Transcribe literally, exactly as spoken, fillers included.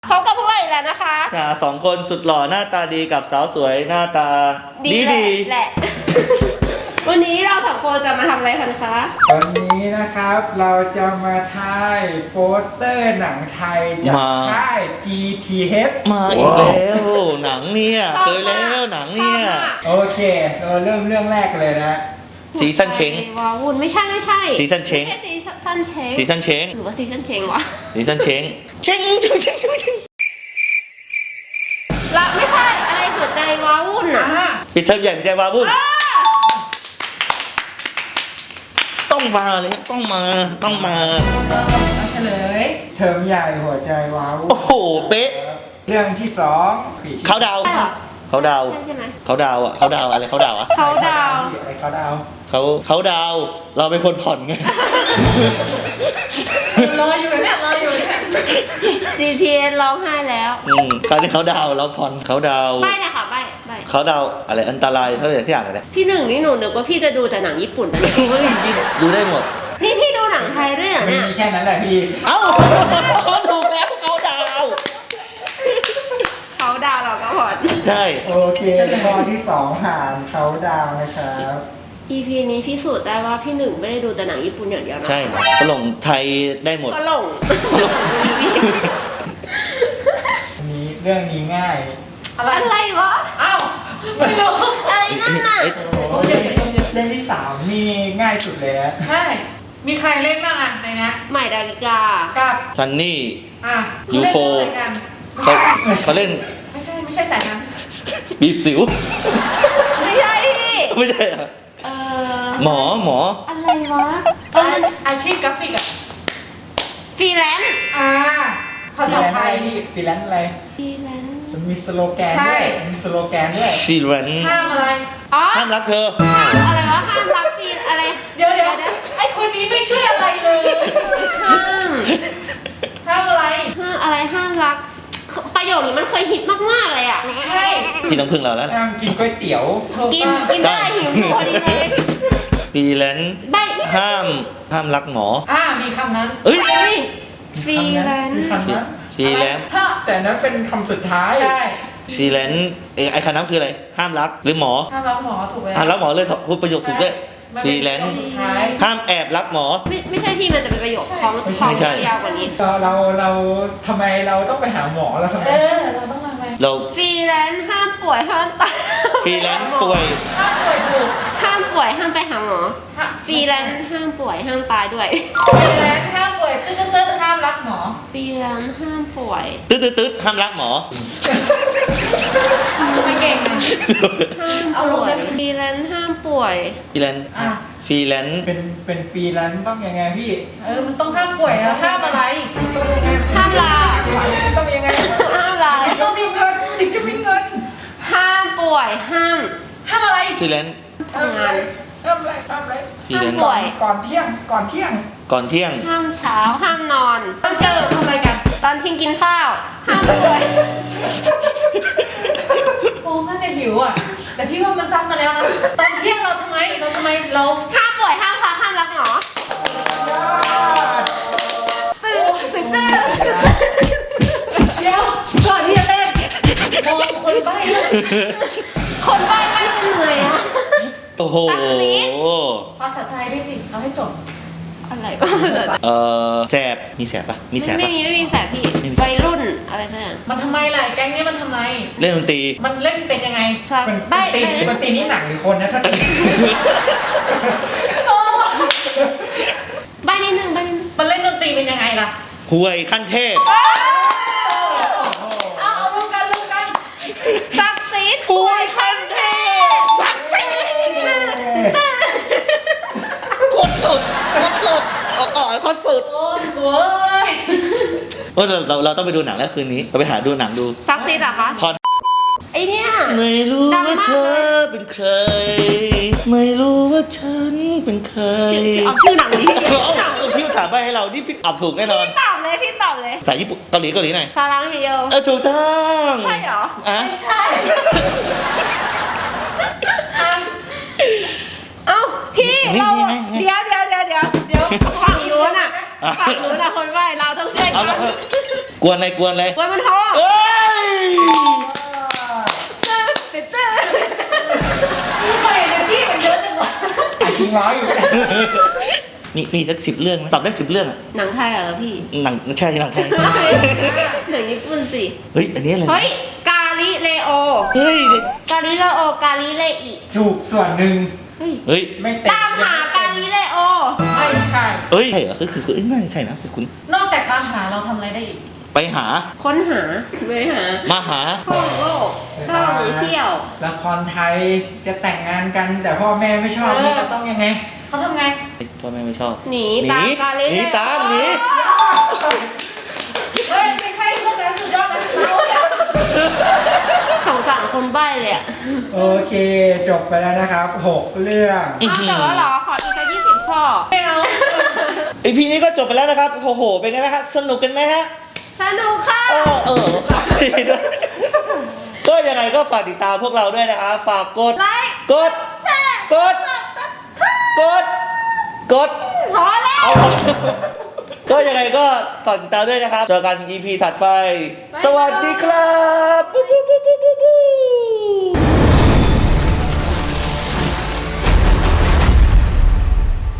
พบกับพวกเราอีกแล้วนะคะอ่าสองคนสุดหล่อหน้าตาดีกับสาวสวยหน้าตาดีดีแหละ วันนี้เราสองคนจะมาทำอะไรกันคะวันนี้นะครับเราจะมาถ่ายโปสเตอร์หนังไทยจากค่าย จี ที เอชมาอีกแล้วหนังเนี่ยเคยแล้วหนังเนี่ยโอเคเราเริ่มเรื่องแรกเลยนะซีซั่นเช้งว้าวุ่นไม่ใช่ไม่ใช่ซีซั่นเช้งไม่ใช่ซีซั่นเช้งซีซั่นเช้งหรือว่าซีซั่นเช้งวะซีซั่นเช้งเช้งเช้งเช้งเช้งเช้งละไม่ใช่อะไรหัวใจว้าวุ่นอ่ะปิดเทอมใหญ่ปิดใจว้าวุ่นต้องมาเลยต้องมาต้องมาเฉลยเทอมใหญ่หัวใจว้าวุ่นโอ้โหเป๊ะเรื่องที่สองเขาดาวเขาดาวเขาดาวอ่ะเขาดาวอะไรเขาดาวอ่ะเขาดาวอะไรเขาดาวเขาเขาดาวเราเป็นคนผ่อนไงรออยู่เนี่ยรออยู่เนี่ย จี ที เอส ร้องไห้แล้วอืมตอนนี้เขาดาวเราผ่อนเขาดาวไม่เลยค่ะไม่ไม่เขาดาวอะไรอันตรายเท่าไหร่ที่อย่างไรพี่หนึ่งนี่หนูนึกว่าพี่จะดูแต่หนังญี่ปุ่นนะเนี่ยดูได้หมดนี่พี่ดูหนังไทยด้วยเหรอเนี่ยมีแค่นั้นแหละพี่เอ้าถูกแล้วเขาดาวเขาดาวเราก็ผ่อนใช่โอเคข้อที่สองหารเขาดาวนะครับอี พี นี้พิสูจน์ได้ว่าพี่หนึ่งไม่ได้ดูแต่หนังญี่ปุ่นอย่างเดียวนะใช่ฝรั่งไทยได้หมดฝรั่งอันนี้เรื่องนี้ง่ายอะไรวะอ้าวไม่รู้อะไรนั่นน่ะเรื่องที่สามนี่ง่ายสุดเลยนะใช่มีใครเล่นบ้างอ่ะในนี้ใหม่ดาวิกากับซันนี่อ่ะยูโฟเขาเขาเล่นไม่ใช่ไม่ใช่สายนั้นบีบสิวไม่ใช่ไม่ใช่เหรอหมอหมออะไรวะเอออาชีพกราฟิกอ่ะฟรีแลนซ์อ่าภาษาไทยฟรีแลนซ์อะไรฟรีแลนซ์มันมีสโลแกนด้วยมีสโลแกนด้วยฟรีแลนซ์ห้ามอะไรอ๋อห้ามรักเธออะไรวะห้ามรักฟรีอะไรเดี๋ยวเดี๋ยวไอคนนี้ไม่ช่วยอะไรเลยห้ามห้ามอะไรห้ามอะไรห้ามรักประโยคนี้มันเคยฮิตมากๆเลยอ่ะใช่พี่ต้องพึ่งเราแล้วห้ามกินก๋วยเตี๋ยวกินกินได้หิวพอดีเลยฟรีแลนซ์ห้ามห้ามรักหมออ่ามีคำนั้นเอ้ยฟรีแลนซ์ฟรีแลนซ์แต่นั้นเป็นคำสุดท้ายใช่ฟรีแลนซ์เอไอคำนั้นคืออะไรห้ามรักหรือหมอห้ามรักหมอถูกไหมห้ามรักหมอเลยพูดประโยคถูกด้วยฟรีแลนซ์ห้ามแอบรักหมอไม่ไม่ใช่พี่มันจะเป็นประโยคของของยาวกว่านี้เราเราเราทำไมเราต้องไปหาหมอเราทำไมเออเราต้องทำไมเราฟรีแลนซ์ห้ามป่วยห้ามตายฟรีแลนซ์ป่วยห้ามป่วยถูกห้ามป่วยห้ามไปหาหมอฟรีแลนซ์ห้ามป่วยห้ามตายด้วยฟรีแลนซ์ห้ามป่วยตึ๊ดตึ๊ดห้ามรักหมอฟรีแลนซ์ห้ามป่วยตึ๊ดตึ๊ดตึ๊ดห้ามรักหมอไม่เก่งนะห้ามป่วยฟรีแลนซ์ห้ามป่วยฟรีแลนซ์ฟรีแลนซ์เป็นเป็นฟรีแลนซ์ต้องยังไงพี่เออมันต้องห้ามป่วยแล้วห้ามอะไรห้ามลาต้องยังไงห้ามลาต้องมีเงินถึงจะมีเงินห้ามป่วยห้ามห้ามอะไรฟรีแลนซ์ทำงานห้ามอะไรห้ามอะไรห้ามป่วยก่อนเที่ยงก่อนเที่ยงก่อนเที่ยงห้ามเช้าห้ามนอนตอนเจอทำอะไรกันตอนทิ้งกินข้าวห้ามป่วยโอ้น่าจะหิวอ่ะแต่พี่ว่ามันซ้ำมาแล้วนะตอนเที่ยงเราทำไมเราทำไมเราห้ามป่วยห้ามพักห้ามรักหมอตื่นตื่นเต้นเดี๋ยวก่อนที่จะเต้นมองคนใบ้คนใบ้ไม่เหนื่อยอ่ะโอ้โหภาษาไทยได้สิเอาให้จบอะไรบ้างเออแสบมีแสบปะมีแสบปะไม่มีไม่มีแสบพี่วัยรุ่นอะไรสักอย่างมันทำไมล่ะแก๊งนี้มันทำไมเล่นดนตรีมันเล่นเป็นยังไงใบ้ตีดนตรีนี่หนักหรือคนนะถ้าตีใบ้นิดนึงใบ้นิดนึงมันเล่นดนตรีเป็นยังไงล่ะห่วยขั้นเทพเอาเอาลูกกันลูกกันศักดิ์สิทธิ์ห่วยขั้นเทพศักดิ์สิทธิ์กดสุดกดสุดออกก่อนกดสุดโอ้ยโอ้เราเราต้องไปดูหนังแล้วคืนนี้เราไปหาดูหนังดูศักดิ์สิทธิ์เหรอคะพอไอเนี้ยไม่รู้ว่าเธอเป็นใครไม่รู้ว่าฉันเป็นใครเอาชื่อหนังนี้เอาพี่ถามไปให้เรานี่พี่ตอบถูกแน่นอนพี่ตอบเลยพี่ตอบเลยภาษาญี่ปุ่นเกาหลีเกาหลีหน่อยซาลังเฮโยเออถูกต้องใช่เหรอไม่ใช่เอ้าพี่เราเดี๋ยวเดี๋ยวเดี๋ยวเดี๋ยวเดี๋ยวฝั่งนู้นอ่ะฝั่งนู้นอ่ะคนไหวเราต้องช่วยกันกวนอะไรกวนอะไรกวนมันท้องเอ้ยตื่นเต้นทำไมเนยที่มันเยอะจังวะอ่ะชิงร้อยอยู่มีมีสักสิบเรื่องไหมตอบได้สิบเรื่องอะหนังไทยเหรอพี่หนังใช่หนังไทยหนังญี่ปุ่นสิเฮ้ยอันนี้อะไรเฮ้ย กาลิเลโอเฮ้ยกาลิเลโอ กาลิเลอิถูกส่วนหนึ่งเฮ้ยเฮ้ยไม่เต็มตามหากาลิเลโอไม่ใช่เอ้ยใช่เหรอคือคือคือเอ้ยน่าจะใช่นะคือคุณนอกจากตามหาเราทำอะไรได้อีกไปหาค้นหาไปหามาหาท่องโลกท่องเที่ยวละครไทยจะแต่งงานกัน แต่พ่อแม่ไม่ชอบนี่จะต้องยังไงเขาทำไงพ่อแม่ไม่ชอบหนีตามกาลิหเลนีโอตามหนีเฮ้ย ไม่ใช่พวกนั้นสุดยอดนะเขาเนี่ยสงสารคนใบ้เลยอะโอเค จบไปแล้วนะครับหกเรื่องอ้าวแต่ว่าเหรอ ขออีกสักยี่สิบข้อไม่เอาไอพีนี้ก็จบไปแล้วนะครับโอ้โหเป็นไงไหมฮะสนุกกันไหมฮะสนุกค่ะเออเออดีด้วยก็ยังไงก็ฝากติดตามพวกเราด้วยนะครับฝากกดไลค์กดแชร์กด กด กดพอแล้วเอาก็ยังไงก็ฝากติดตามด้วยนะครับ เจอกัน อี พี ถัดไป สวัสดีครับปุ๊บปุ๊บปุ๊บปุ๊บปุ๊บ